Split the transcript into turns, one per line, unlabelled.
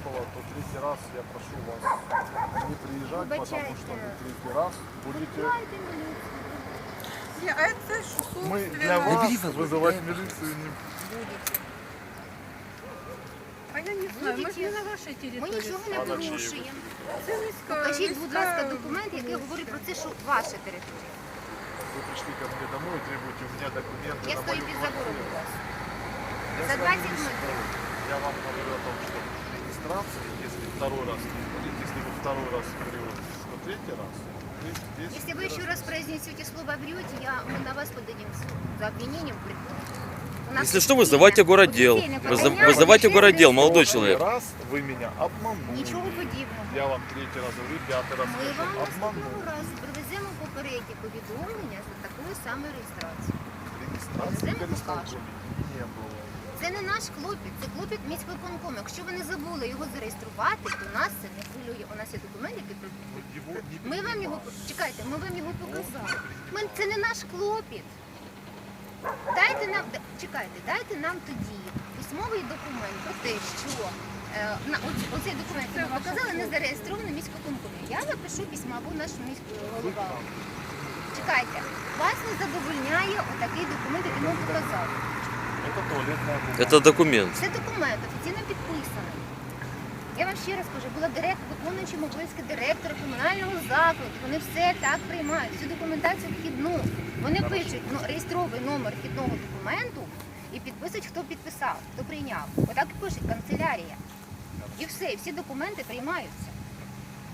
было, то третий раз я прошу вас не приезжать, потому что вы третий раз будете...
Ні, а це ж
Мы
собственно.
для вас вызывать милицию не...
А я не знаю, ми ж не на вашій
Ми
території.
нічого не порушуємо.
Це міська.
Покажіть, будь ласка, документ, який говорить про це, що ваша територія.
Вы пришли ко мне домой и требуете у меня документы
Я
на
стою
мою
під
квартиру.
забором у вас.
Я
За
с вами
20
не
метров.
спорю. Я вам говорю о том, что регистрация, если второй раз не будет, если вы второй раз врете, то третий раз.
Если вы еще раз произнесете слово «врете», мы на вас подадим в суд за обвинением в приходе.
Если что, вызывайте городдел. Вызывайте городдел, молодой человек.
Раз вы меня обманули.
Нічого подібного.
Я вам третий раз говорю, пятый раз
Ми
скажу,
вам наступного
обманули.
разу привеземо попереднє повідомлення за такою самою реєстрацією.
Регистрации
Це ми
перестал
покажемо.
не было.
Це не наш клопіт, це клопіт міськвиконкому. Якщо ви не забули його зареєструвати, то нас це не хвилює. У нас є документ, який
Но его не
ми вам його чекайте, ми вам його показали. Це не наш клопіт. Дайте нам чекайте, дайте нам тоді письмовий документ про те, що оцей документ, який ми показали, не зареєстрований міськвиконкомі. Я напишу письма або наш міський голова. Чекайте, вас не задовольняє отакий документ, який ми показали.
Это туалетная бумага.
Это документ.
Це документ офіційно підписаний. Я вам ще раз кажу, була виконуючим обов'язки директора комунального закладу. Вони все так приймають, всю документацію вхідну. Вони пишуть реєстровий номер вхідного документу і підписують, хто підписав, хто прийняв. Отак і пишуть канцелярія. І все, і всі документи приймаються.